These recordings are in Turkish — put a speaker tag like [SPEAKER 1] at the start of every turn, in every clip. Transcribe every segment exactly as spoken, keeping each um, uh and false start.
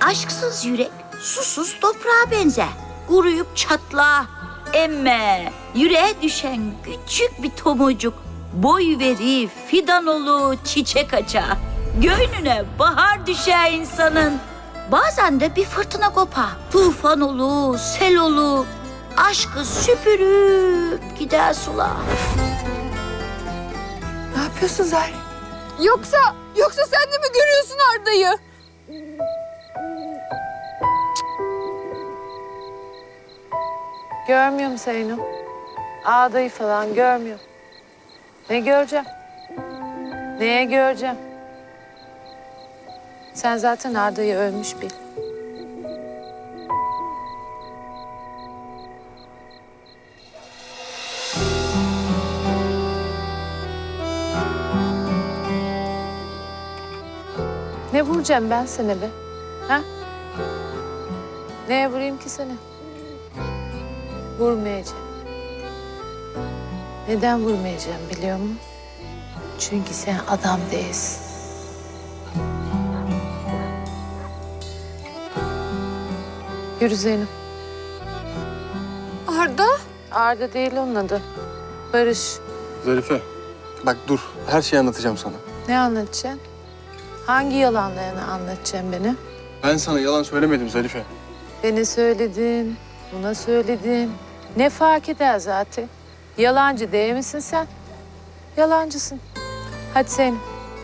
[SPEAKER 1] Aşksız yürek susuz toprağa benzer. Kuruyup çatla. Emme yüreğe düşen küçük bir tomurcuk boy veri fidan olu çiçek açar. Göğnüne bahar düşer insanın. Bazen de bir fırtına kopar. Tufan olu, sel olu. Aşkı süpürüp gider sular.
[SPEAKER 2] Ne yapıyorsun Zahir? Yoksa, yoksa sen de mi görüyorsun Arda'yı?
[SPEAKER 3] Görmüyorum Zeyno. Ağdayı falan görmüyorum. Ne göreceğim? Neye göreceğim? Sen zaten Arda'yı ölmüş bil. Ne vuracağım ben sana be? Ha? Neye vurayım ki seni? Vurmayacağım. Neden vurmayacağım biliyor musun? Çünkü sen adam değilsin. Yürü Zeynep.
[SPEAKER 2] Arda?
[SPEAKER 3] Arda değil onun adı. Barış.
[SPEAKER 4] Zarife, bak dur. Her şeyi anlatacağım sana.
[SPEAKER 3] Ne anlatacaksın? Hangi yalanlarını anlatacaksın beni?
[SPEAKER 4] Ben sana yalan söylemedim Zarife.
[SPEAKER 3] Beni söyledin, buna söyledin. Ne fark eder zaten? Yalancı değil misin sen? Yalancısın. Hadi Zeynep.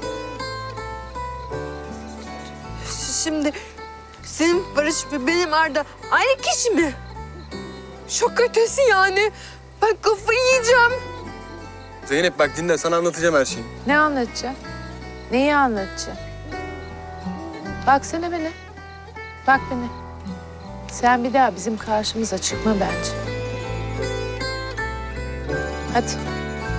[SPEAKER 2] Şimdi senin Barış ve benim Arda aynı kişi mi? Şok ötesi yani. Ben kafayı yiyeceğim.
[SPEAKER 4] Zeynep bak dinle, sana anlatacağım her şeyi.
[SPEAKER 3] Ne anlatacaksın? Neyi anlatacaksın? Baksana beni. Bak beni. Sen bir daha bizim karşımıza çıkma bence. Hadi.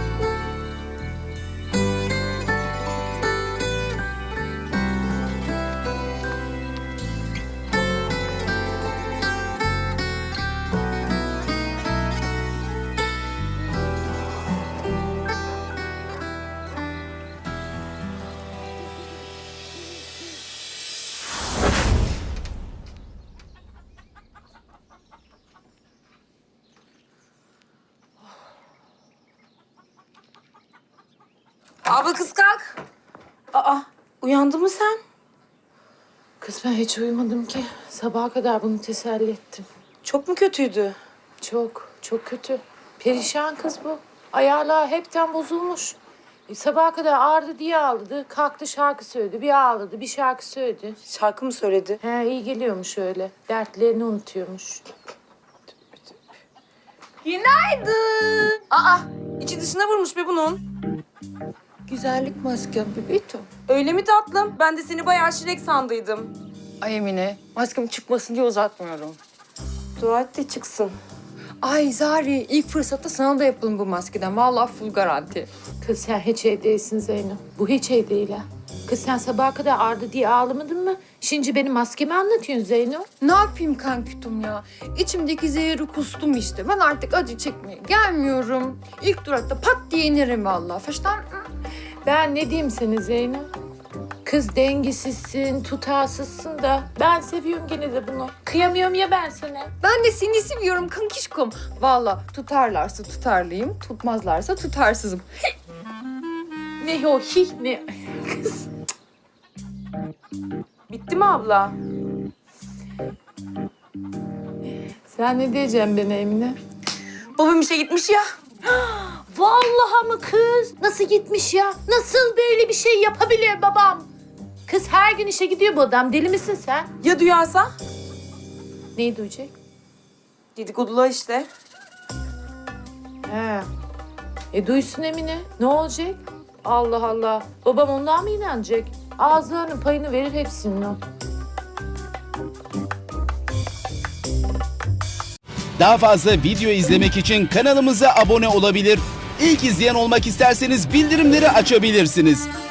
[SPEAKER 5] Abla kız kalk. Aa, uyandın mı sen?
[SPEAKER 3] Kız ben hiç uyumadım ki. Sabaha kadar bunu teselli ettim.
[SPEAKER 5] Çok mu kötüydü?
[SPEAKER 3] Çok, çok kötü. Perişan kız bu. Ayarlar hepten bozulmuş. E, sabaha kadar ağrıdı diye ağladı. Kalktı şarkı söyledi. Bir ağladı, bir şarkı söyledi.
[SPEAKER 5] Şarkı mı söyledi?
[SPEAKER 3] He, iyi geliyormuş öyle. Dertlerini unutuyormuş.
[SPEAKER 5] Günaydın. Aa, içi dışına vurmuş be bunun.
[SPEAKER 2] Güzellik maskem bebeğim.
[SPEAKER 5] Öyle mi tatlım? Ben de seni bayağı şirek sandıydım.
[SPEAKER 2] Ay Emine, maskem çıkmasın diye uzatmıyorum.
[SPEAKER 5] Dua et de çıksın.
[SPEAKER 2] Ay Zari, ilk fırsatta sana da yapalım bu maskeden. Vallahi full garanti.
[SPEAKER 3] Kız sen hiç iyi değilsin Zeynep. Bu hiç iyi değil ha. Kız sen sabaha kadar ağrıdı diye ağlamadın mı? Şimdi benim maskemi anlatıyorsun Zeynep.
[SPEAKER 2] Ne yapayım kankütüm ya? İçimdeki zehri kustum işte. Ben artık acı çekmeye gelmiyorum. İlk durakta pat diye inerim vallahi. Faştan.
[SPEAKER 3] Ben ne diyeyim sana Zeynep? Kız dengesizsin, tutarsızsın da ben seviyorum gene de bunu. Kıyamıyorum ya ben sana.
[SPEAKER 2] Ben de seni seviyorum kankişkom. Vallahi tutarlarsa tutarlıyım, tutmazlarsa tutarsızım.
[SPEAKER 3] Ne o hi ne? Kız.
[SPEAKER 5] Bitti mi abla?
[SPEAKER 3] Sen ne diyeceksin bana Emine?
[SPEAKER 5] Babam işe gitmiş ya.
[SPEAKER 3] Vallahi mı kız? Nasıl gitmiş ya? Nasıl böyle bir şey yapabilir babam? Kız her gün işe gidiyor bu adam. Deli misin sen?
[SPEAKER 5] Ya duyarsa?
[SPEAKER 3] Neyi duyacak?
[SPEAKER 5] Dedikodular işte.
[SPEAKER 3] He. E duysun Emine. Ne olacak? Allah Allah. Babam ondan mı inanacak? Ağızlarının payını verir hepsinin o.
[SPEAKER 6] Daha fazla video izlemek için kanalımıza abone olabilir. İlk izleyen olmak isterseniz bildirimleri açabilirsiniz.